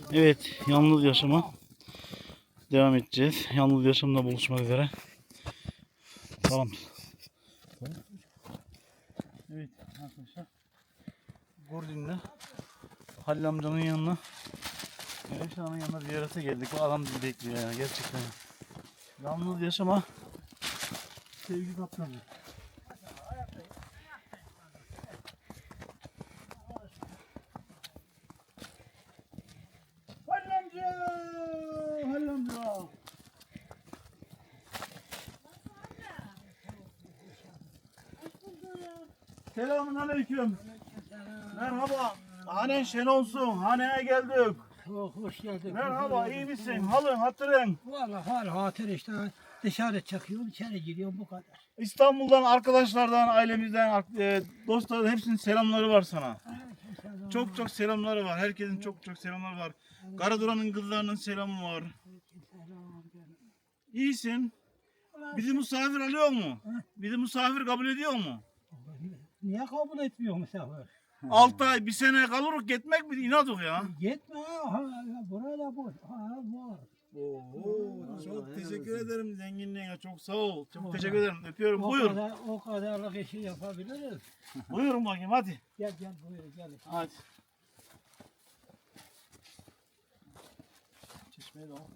Evet, yalnız yaşama devam edeceğiz. Yalnız yaşamda buluşmak üzere. Tamam. Evet arkadaşlar. Gordin'le Halil amcanın yanına, Mehmet Ağa'nın yanına ziyarete geldik. Bu adam bizi bekliyor yani gerçekten. Yalnız yaşama sevgi kaptanı. Halil amca! Halil amca! Selamun aleyküm. Merhaba. Hanen şen olsun. Haneye geldik. Oh, hoş geldin. Merhaba, iyi misin? Halın, hatırın. Vallahi hatır işte. Dışarı çıkıyorum, içeri giriyorum bu kadar. İstanbul'dan, arkadaşlardan, ailemizden, dostlardan hepsinin selamları var sana. Çok çok selamları var. Herkesin çok çok selamları var. Karaduran'ın kızlarının selamı var. İyisin. Bizi misafir alıyor mu? Bizi misafir kabul ediyor mu? Niye kabul etmiyor misafir? 6 ay, bir sene kalırız gitmek mi? İnadık ya. Gitme. Burada bu. Var. Oo, çok teşekkür ederim zenginliğine. Çok sağ ol. Çok teşekkür ederim. Öpüyorum. Buyur. O kadarlık işi yapabiliriz. Buyurun bakayım hadi. Gel buyur gel. Hadi. Çeşmeye de al.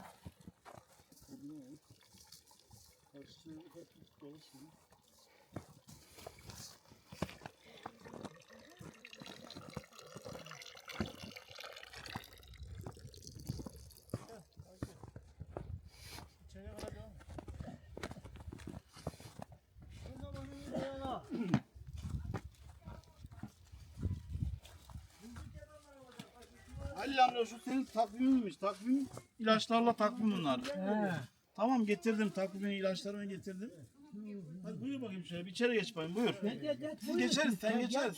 Halil amca şu senin takviminmiş. Takvim ilaçlarla takvim bunlar. Tamam getirdim takvimi ilaçlarımı getirdim. Hadi buyur bakayım şöyle bir içeri geç bakayım buyur. Biz geçeriz sen geçeriz.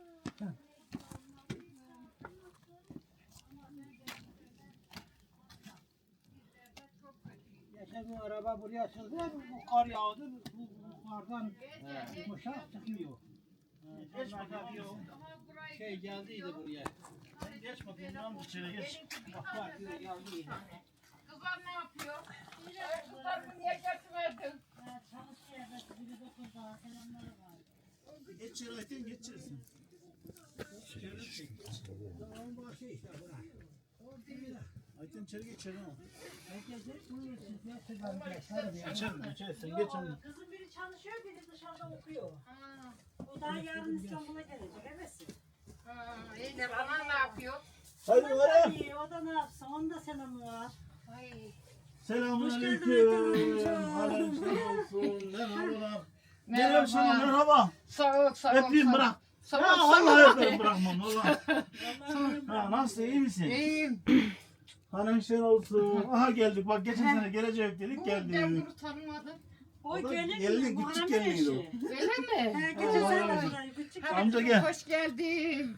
Geçen bu araba buraya çıktı, bu kar yağdı, bu kardan yumuşak çıkmıyor. Geç bakayım. Şey geldiydi buraya. Geç bakayım yalnız içeri geç. Bak geldiydi. Kızlar ne yapıyor? Kızlar niye getirmedin? Geç içeri Ayten geç içeri sen. Ayten içeri geç içeri al. İçeri sen geç onu. Kızım biri çalışıyor, biri dışarıda okuyor. O daha yarın İstanbul'a gelecek, evet. İyiler, anan ne yapıyor? Hadi O da var. iyi, o da ne yapsın, onun da selamı var. Ay, Selamun Hoş aleyküm. geldin Aleyküm olsun. Merhabalar. Merhaba. Merhaba. Sağ ol, sağ ol. Öpeyim bırak. Sağ Ya ol, sağ ol. vallahi öperim bırakmam valla. Ha, nasıl iyi misin? İyiyim. Hanım sen olsun. Aha geldik bak geçen sene gelecek dedik Ben geldik. bunu tanımadım. O da gelin gelinin mi? küçük Muharrem geliniydi o. eşi. Öyle mi? Geçen sene de buradaydı, küçük. Amca gel. Hoş geldin.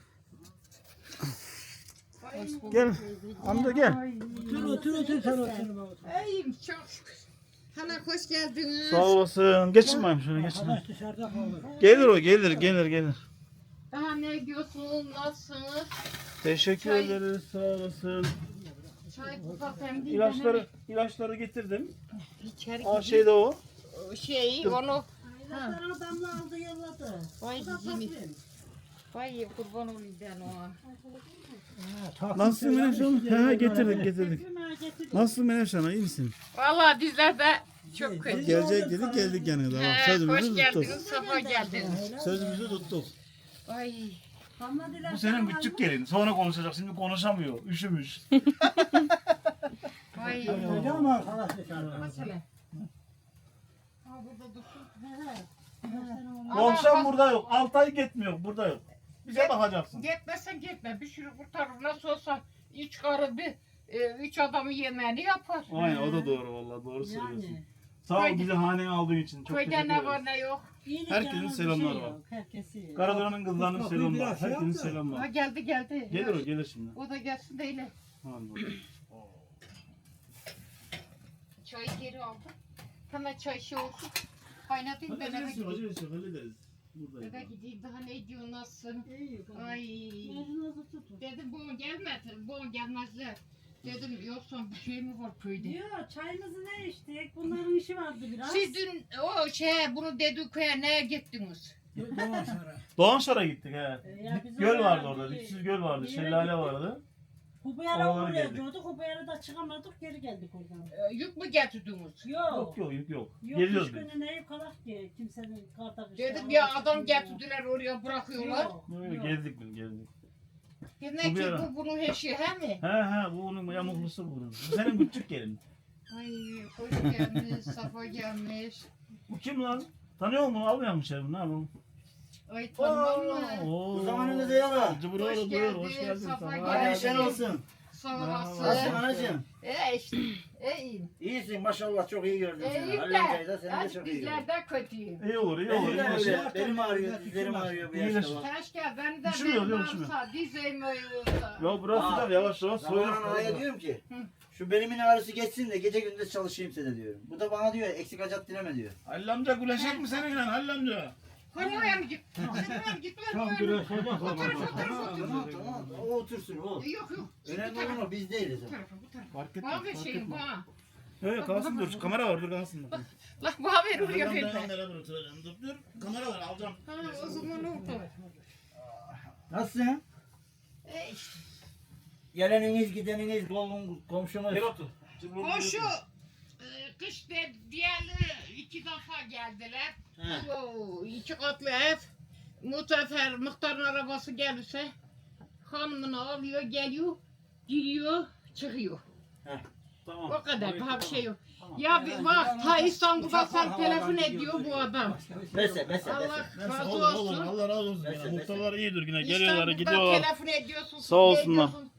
Gel. Amca gel. Otur sen otur. İyiyim çok şükür. Hala hoş geldiniz. Sağ olasın. Geçin bakayım şöyle geçin. Arkadaş dışarıda kaldı. Gelir o gelir. Daha ne diyorsunuz? Nasılsınız? Teşekkür Çay. ederiz sağ olasın. Çay kupa hem değil. İlaçları getirdim. İçeri Aa şeyde o. onu. Aylalarını damla aldı, yolladı. Vay Bu da yine. takvim. Vay kurban olayım ben ona. Nasılsın Menevşe Hanım? He getirdik. Takvim ha, getirdim. Nasılsın Menevşe Hanım? İyi misin? Vallahi bizler de çok kötü. Gelecek dedik geldik yani. Tamam. Hoş Sözümüzü tuttuk. geldiniz, safa geldiniz. Sözümüzü tuttuk. Ay. Damladılar, Bu senin damladılar. küçük gelin. Sonra konuşacak. Şimdi konuşamıyor. Üşümüş. Ay. Öyle mi arkadaş dışarıda? Mesela. Ha burada dursun. Bu akşam burada yok. 6 ay gitmiyor. Burada yok. Bize bakacaksın. Gitmesen gitme. Bir sürü kurtarır. Nasıl olsa üç karı bir, üç adamı yemeğini yapar. Aynen o da doğru vallahi doğru söylüyorsun. Yani. Sağ ol bizi haneye aldığın için. Çok Köyde teşekkür ne ederim. var ne yok. İyilik Herkesin yalnız bir selamları şey var. yok, herkesi. Karaduran'ın kızlarının Kapıyı selamı var. biraz şey Herkesin yap da. selamı Ha var. geldi. Gelir şimdi. O da gelsin de öyle. Hadi bakalım. Çayı geri aldım. Hemen çay şey olsun. Kaynatayım ben eve Hallederiz yok, gideyim. acelesi yok, hallederiz. Buradayız. Eve gideyim daha ne diyor nasılsın? İyi, Ay. Mecnunuzu tutun. Dedim bu gelmedi. Bu gelmezler. Dedim yoksa bir şey mi var köyde? Yok çayımızı ne içtik? Bunların işi vardı biraz. Siz dün bunu dedik köye neye gittiniz? Doğan sonra. Doğanşar'a gittik he. Ya biz Göl oraya vardı orada. bir- Dipsiz göl vardı. bir yere Şelale gittik. vardı. Hubeyara Oralara oraya geldik. gidiyorduk. Hubeyara'da çıkamadık geri geldik oradan. Yük mü getirdiniz? Yok yok yük yok. Yok Geliyoruz üç biz. günü ne kalak ki kimsenin karda kışta. Dedim ya adam getirdiler oraya bırakıyorlar. Yok, Yok, yok. gezdik biz gezdik. Demek ki Bu bir ara. bu bunun eşi he mi? He bu onun yamuklusu bunun. Bu senin küçük gelin. Ay hoş gelmiş, safa gelmiş. Bu kim lan? Tanıyor musun? Almıyor musun şerif? Ne yapalım? Ay tanımam mı? Oo. Zamanınızda yara. Cıbır Hoş oğlum buyur. geldin, Hoş geldin. safa Sana. geldin. Hadi işler olsun. Sağ Nasılsın olasın. anacığım? İşte, iyiyim. İyisin maşallah çok iyi gördüm seni. İyiyim Halil amcayı da de, seni de çok iyi gördüm. bizler de kötüyüm. İyi olur iyi Benim olur. de iyi olur. öyle. Benim ağrıyor, dizlerim ağrıyor bu yaşta. İyileşin. bak. Keşke beni de Üşümüyor, benim üşümüyor. alsa, dizeyim olsa. Ya bırak Aa, gider yavaş yavaş Zamanın soyulur. ağaya diyorum ki, Hı. şu belimin ağrısı geçsin de gece gündüz çalışayım size diyorum. Bu da bana diyor eksik acat dileme diyor. Halil amca güleşecek mi seninle Halil amca? Korumaya mı git? Korumaya mı git? Tam güreşecek. Tamam tamam o otursun o. Yok yok. Önemli olan o biz değiliz. Bu tarafa bu tarafa. Fark Bana bir şeyim bana. Evet kalsın dur. Kamera var dur kalsın. Lah bana ver oraya Halil ver. amcayla beraber oturacağım. Dur. Kamera var alacağım. Ha o zaman oldu. Nasılsın? İşte. Geleniniz gideniniz komşunuz. Gel otur. Koşu kış diğerleri 2 defa geldiler. He. Oo, 2 katlı ev. Mutefer muhtarın arabası gelirse hanımını alıyor geliyor giriyor çıkıyor. Tamam. O kadar daha bir şey yok. Ya bir bak ta İstanbul'da sen telefon ediyor bu adam. Bese. Allah razı Olur olur olsun. Allah razı olsun. Neyse, Ya. Muhtarlar iyidir yine İstanbul'da geliyorlar gidiyorlar. telefon ediyorsun. Sağ olsunlar. ediyorsun,